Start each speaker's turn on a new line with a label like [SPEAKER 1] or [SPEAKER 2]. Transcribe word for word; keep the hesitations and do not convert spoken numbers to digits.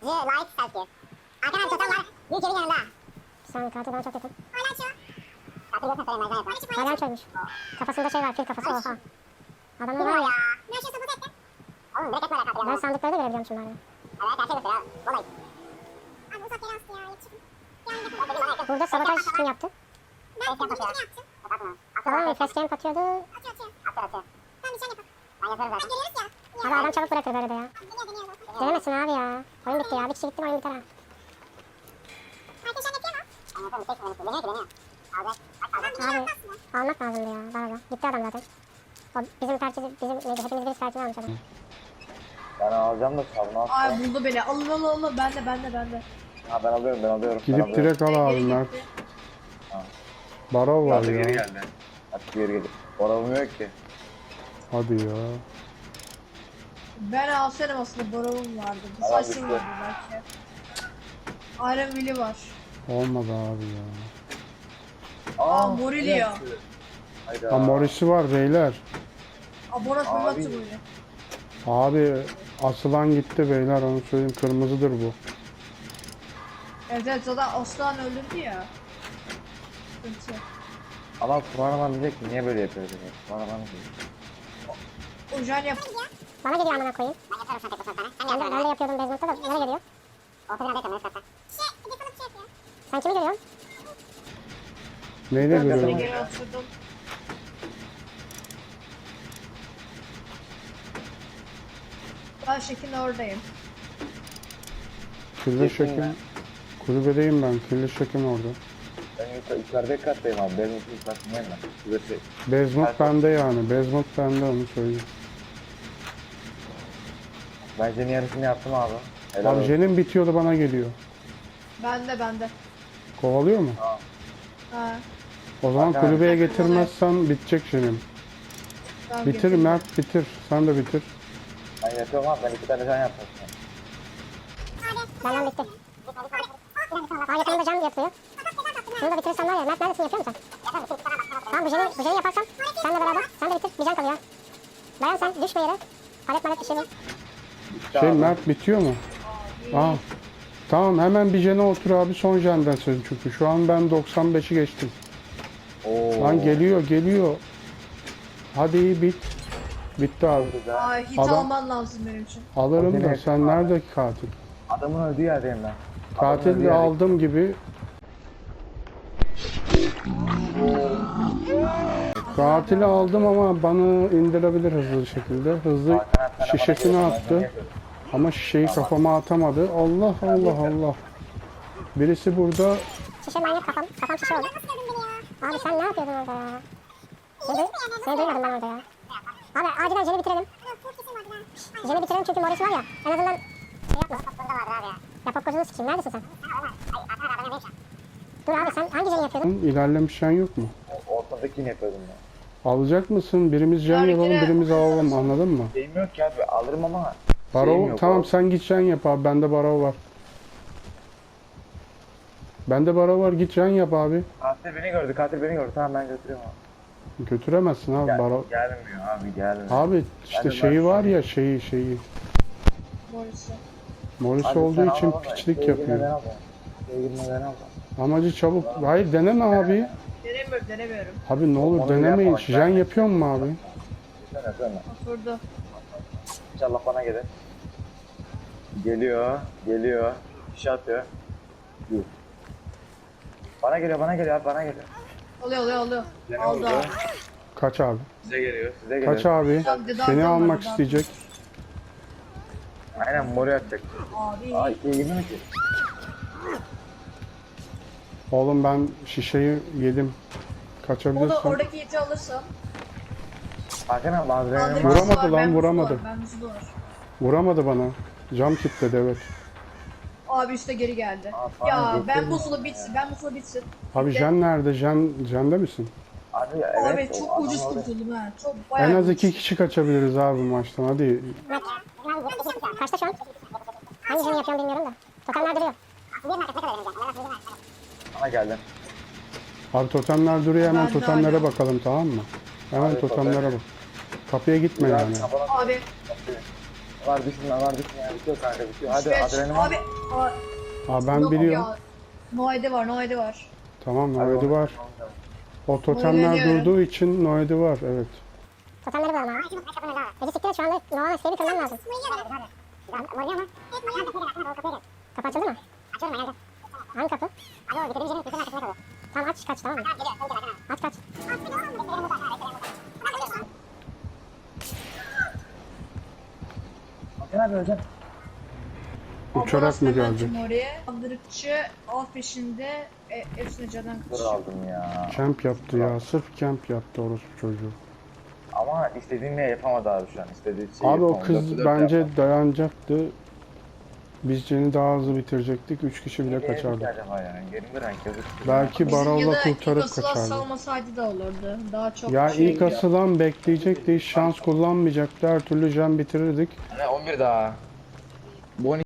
[SPEAKER 1] layık selfie. Arkadan totem var. Büyük evin yanında. Sen kartı bana çok yakın. Palanço. Kartı götüne söyleyeyim ben yapar. Palançoymuş. Kafasında şey var, fil kafası, oha. Adamlar var ya. Ne şey sabot etti? Oğlum direkt etme kartı. Ben sandıkları da görebiliyorum şimdi bari. Evet, her şey gösteriyor. Vallahi. Abi uzak yere astı ya. Yetişim. Burada sabotaj kim yaptı? Ben bunu kim yaptım? Tamam, fast game atıyordu. Atıyor, atıyor. Atıyor, atıyor. Tamam, bir şey yapalım. Ben yaparım zaten. Geliyoruz ya. Abi adam çabuk bırakır böyle de ya. Deniyor, deniyor. Denemesin abi ya. Oyun bitti ya. Bir kişi gitti mi oyun biter ha. Arkadaşlar yapıyor mu? Anlatalım, tek deniyor, deniyor, deniyor. Abi, abi, almak lazımdı ya. Bana da. Gitti adam zaten. O bizim tercihi, bizim neydi? Hepimiz bir tercihini almış adam.
[SPEAKER 2] Ben alacağım da savunu al.
[SPEAKER 3] Ay buldu beni. Alın alın alın. Ben de ben de ben de.
[SPEAKER 2] Ha ben alıyorum ben alıyorum. ben
[SPEAKER 4] Gidip
[SPEAKER 2] alıyorum.
[SPEAKER 4] direkt al abi Mert. Barov var
[SPEAKER 2] Hadi geri
[SPEAKER 4] ya.
[SPEAKER 2] geldi. Hadi geri geldi. Oramıyor ki.
[SPEAKER 4] Hadi ya.
[SPEAKER 3] Ben alsaydım aslında Borov'um vardı.
[SPEAKER 2] Al,
[SPEAKER 3] Saçım
[SPEAKER 2] bitti.
[SPEAKER 3] vardı belki. Iron Will'i var.
[SPEAKER 4] Olmadı abi ya.
[SPEAKER 3] Aa, Morilio.
[SPEAKER 2] Hayda.
[SPEAKER 4] Ha Morris'i var beyler.
[SPEAKER 3] Aa, Boros
[SPEAKER 2] Abi.
[SPEAKER 3] Mehmet'ti böyle.
[SPEAKER 4] Abi asılan gitti beyler, onu söyleyeyim, kırmızıdır bu.
[SPEAKER 3] Evet evet zaten Aslan öldürdü ya. Sıkıntı.
[SPEAKER 2] Ama Kur'an'a diyecek ki niye böyle yapıyor dedi. Kur'an'a diyecek.
[SPEAKER 3] Ojan yap.
[SPEAKER 1] Bana geliyor amına koyayım. Ben yaparım sen tek o sana. Sen ben, ben de yapıyordum Bezmont'ta da. Nereye geliyor? Orta binada yaparım. Şey, defalık şey yapıyor. Sen kimi görüyorsun?
[SPEAKER 4] Neyle
[SPEAKER 3] Ben de
[SPEAKER 4] görüyorum?
[SPEAKER 3] geri oturdum. Ben şekin oradayım.
[SPEAKER 4] Kirli şekim. Kulübedeyim ben. Kirli şekim orada.
[SPEAKER 2] Ben yukarı, yukarıdaki kattayım abi. Benim ilk kattayım ben. Şurası.
[SPEAKER 4] Bezmut bende yani. Bezmut bende, onu söyleyeyim.
[SPEAKER 2] Ben senin yarısını yaptım abi. Helal
[SPEAKER 4] Abi
[SPEAKER 2] olsun.
[SPEAKER 4] Jen'in bitiyordu, bana geliyor.
[SPEAKER 3] Bende bende.
[SPEAKER 4] Kovalıyor mu?
[SPEAKER 3] Ha.
[SPEAKER 4] O zaman
[SPEAKER 2] Bak,
[SPEAKER 4] kulübeye
[SPEAKER 3] abi.
[SPEAKER 4] getirmezsen bitecek Jen'in.
[SPEAKER 3] Tamam,
[SPEAKER 4] Bitir
[SPEAKER 3] getirdim.
[SPEAKER 4] Mert, bitir. Sen de bitir.
[SPEAKER 2] Ben yapıyorum abi. Ben iki tane can yaptım.
[SPEAKER 1] Benden bitti. Aa yakınında cam yapıyor. Şunu da bitirirsen var ya. Mert neredesin, yapıyor musun? Tamam, bu jeni, bu jeni yaparsam senle beraber. Sen de bitir. Bir can kalıyor. Dayan sen, düşme yere. Palet malet bir şey yok.
[SPEAKER 4] Şey Mert bitiyor mu? Aa. Tamam, hemen bir jene otur abi, son jenden sen çünkü. Şu an ben doksan beşi geçtim.
[SPEAKER 2] Oo.
[SPEAKER 4] Lan geliyor geliyor. Hadi iyi bit. Bitti abi.
[SPEAKER 2] Güzel.
[SPEAKER 3] Aa, hit
[SPEAKER 4] Adam-
[SPEAKER 3] alman lazım benim için.
[SPEAKER 4] Alırım da
[SPEAKER 2] Hadi
[SPEAKER 4] sen
[SPEAKER 2] ne?
[SPEAKER 4] nerede katil?
[SPEAKER 2] Adamın öldüğü yerdeyim ben. Adamın öldüğü
[SPEAKER 4] Katil de
[SPEAKER 2] yerdeyim.
[SPEAKER 4] aldım gibi. Katili aldım ama bana indirebilir hızlı bir şekilde. Hızlı
[SPEAKER 2] Hakan abi, sen de bana
[SPEAKER 4] şişesini
[SPEAKER 2] geliyorsun, ben
[SPEAKER 4] attı.
[SPEAKER 2] geliyorum.
[SPEAKER 4] Ama şişeyi kafama atamadı. Allah Allah Allah. Birisi burada.
[SPEAKER 1] Şişe manyak kafam. Kafam şişe oldu. Abi sen ne yapıyordun orada ya? Seni, seni duymadım ben orada ya. Abi acilen jeni bitirelim. Jeni bitirelim çünkü Morris var ya. En azından şey yapma. Ya popkozunu sikeyim. Neredesin sen? Dur abi, sen hangi jeni yapıyordun?
[SPEAKER 4] İlerlemiş jen yok mu?
[SPEAKER 2] Ortadakini yapıyordum ben.
[SPEAKER 4] Alacak mısın? Birimiz jen
[SPEAKER 3] Harika.
[SPEAKER 4] yapalım, birimiz alalım, anladın mı?
[SPEAKER 2] Şeyim yok ki abi. Alırım ama. Şeyim
[SPEAKER 4] Barov,
[SPEAKER 2] yok
[SPEAKER 4] tamam
[SPEAKER 2] abi.
[SPEAKER 4] sen git jen yap abi, bende barov var. Bende barov var, git jen yap abi.
[SPEAKER 2] Katil beni gördü. Katil beni gördü. Tamam ben götürüyorum abi.
[SPEAKER 4] Götüremezsin abi
[SPEAKER 2] Gel,
[SPEAKER 4] barov.
[SPEAKER 2] gelmiyor abi gelmiyor.
[SPEAKER 4] Abi işte
[SPEAKER 2] Ben de
[SPEAKER 4] şeyi
[SPEAKER 2] ben-
[SPEAKER 4] var ya, şeyi şeyi.
[SPEAKER 3] Morris'i.
[SPEAKER 4] Morris
[SPEAKER 2] Abi
[SPEAKER 4] olduğu
[SPEAKER 2] sen
[SPEAKER 4] için
[SPEAKER 2] al ama
[SPEAKER 4] piçlik
[SPEAKER 2] şeye girmeden
[SPEAKER 4] yapıyor.
[SPEAKER 2] al da. Şeye girmeden al da.
[SPEAKER 4] Amacı çabuk. Hayır deneme abi.
[SPEAKER 3] Denemiyorum denemiyorum.
[SPEAKER 4] Abi ne olur
[SPEAKER 2] Onu
[SPEAKER 4] denemeyin.
[SPEAKER 2] yapma,
[SPEAKER 4] Jen
[SPEAKER 2] ben-
[SPEAKER 4] yapıyor mu abi?
[SPEAKER 2] Sen sen.
[SPEAKER 3] Oturdu.
[SPEAKER 2] İnşallah bana gelir. Geliyor. Geliyor. Bir şey atıyor. Dur. Bana geliyor bana geliyor abi bana geliyor.
[SPEAKER 3] Oluyor oluyor oluyor.
[SPEAKER 2] Gene
[SPEAKER 3] Aldı
[SPEAKER 2] oldu.
[SPEAKER 3] abi.
[SPEAKER 4] Kaç abi?
[SPEAKER 2] Size geliyor. Size geliyor.
[SPEAKER 4] Kaç abi?
[SPEAKER 3] Tamam, dedi,
[SPEAKER 4] Seni
[SPEAKER 3] adam var,
[SPEAKER 4] almak
[SPEAKER 3] adam.
[SPEAKER 4] isteyecek.
[SPEAKER 2] Aynen moru atacak.
[SPEAKER 3] Abi.
[SPEAKER 2] Ay iyi gibi mi ki?
[SPEAKER 4] Oğlum ben şişeyi yedim.
[SPEAKER 3] O da
[SPEAKER 4] Kaçabilirsin.
[SPEAKER 3] oradaki iti alırsam.
[SPEAKER 2] Hakan abi adrenalin
[SPEAKER 3] Kaldırması
[SPEAKER 2] var.
[SPEAKER 4] Vuramadı
[SPEAKER 3] var,
[SPEAKER 4] lan,
[SPEAKER 3] ben
[SPEAKER 4] vuramadı.
[SPEAKER 3] muzu var, Ben muzu var.
[SPEAKER 4] Vuramadı bana. Cam kilitledi, evet.
[SPEAKER 3] Abi üstte geri geldi.
[SPEAKER 2] Aa, falan
[SPEAKER 3] ya ben
[SPEAKER 2] getirdim
[SPEAKER 3] buzulu
[SPEAKER 2] ya.
[SPEAKER 3] bitsin. Ben buzulu bitsin.
[SPEAKER 4] Abi
[SPEAKER 3] Bitti.
[SPEAKER 4] Jen nerede? Jen, Jen'de misin?
[SPEAKER 2] Abi evet.
[SPEAKER 3] Abi
[SPEAKER 2] o
[SPEAKER 3] çok
[SPEAKER 2] adam
[SPEAKER 3] ucuz
[SPEAKER 2] orada.
[SPEAKER 3] kurtuldum ha. Çok bayağı
[SPEAKER 4] En az
[SPEAKER 3] ucuz.
[SPEAKER 4] iki kişi kaçabiliriz abi maçtan. Hadi.
[SPEAKER 1] Kaçta şu an? Hangi jeni yapıyorum bilmiyorum da. Totemler duruyor.
[SPEAKER 2] Bana geldin.
[SPEAKER 4] Abi totemler duruyor, hemen
[SPEAKER 3] Ben de
[SPEAKER 4] totemlere
[SPEAKER 3] öyle.
[SPEAKER 4] bakalım, tamam mı? Hemen
[SPEAKER 2] Abi,
[SPEAKER 4] totemlere
[SPEAKER 2] totem.
[SPEAKER 4] bak. Kapıya gitme
[SPEAKER 2] Biraz
[SPEAKER 4] yani.
[SPEAKER 2] kapana
[SPEAKER 3] Abi
[SPEAKER 2] Var düşünme var düşünme. Bitiyor kanka bitiyor. Hadi
[SPEAKER 3] Beş.
[SPEAKER 2] adrenalin var.
[SPEAKER 3] Abi. Aa,
[SPEAKER 4] Aa ben
[SPEAKER 3] yok
[SPEAKER 4] biliyorum.
[SPEAKER 3] ya. Noede var, Noede var.
[SPEAKER 4] Tamam
[SPEAKER 2] Hadi
[SPEAKER 4] Noedi
[SPEAKER 2] onu-
[SPEAKER 4] var. O totemler
[SPEAKER 3] Oynanıyorum.
[SPEAKER 4] durduğu için Noedi var evet.
[SPEAKER 1] Totemleri bulalım abi. Ece siktir et şu anda Nova'nın siteyi bitirmem lazım. Morluyor mu? Kapı açıldı mı? Açıyorum ben. Hangi kapı? Abi o bitirdiğim yerin kapının arkasında kalıyor. Tamam aç kaç tamam mı? Aç kaç.
[SPEAKER 2] Hakan abi hocam.
[SPEAKER 4] Uçarak mı geldi?
[SPEAKER 3] geldi? Oraya. Kaldırıkçı av peşinde e, hepsini candan
[SPEAKER 2] Dur
[SPEAKER 3] kaçıyor.
[SPEAKER 2] aldım ya.
[SPEAKER 4] Camp yaptı ya. Sırf camp yaptı orospu çocuğu.
[SPEAKER 2] Ama istediğini yapamadı abi şu an. İstediği şeyi
[SPEAKER 4] Abi o
[SPEAKER 2] yapamadı.
[SPEAKER 4] kız
[SPEAKER 2] Dört- dört
[SPEAKER 4] bence
[SPEAKER 2] yapmadı.
[SPEAKER 4] dayanacaktı. Biz Jen'i daha hızlı bitirecektik. Üç kişi bile
[SPEAKER 2] Nereye gitti
[SPEAKER 4] kaçardı.
[SPEAKER 2] acaba yani? Yerinde renk gözüktü.
[SPEAKER 4] Belki
[SPEAKER 3] Bizim ya
[SPEAKER 4] Barolla
[SPEAKER 3] da
[SPEAKER 4] kurtarıp
[SPEAKER 3] ilk asılan
[SPEAKER 4] kaçardı.
[SPEAKER 3] salmasaydı da olurdu. Daha çok
[SPEAKER 4] Ya
[SPEAKER 3] şey
[SPEAKER 4] ilk asılan bekleyecekti. Hiç şans kullanmayacaktı. Her türlü Jen bitirirdik.
[SPEAKER 2] Hani on bir daha. Bu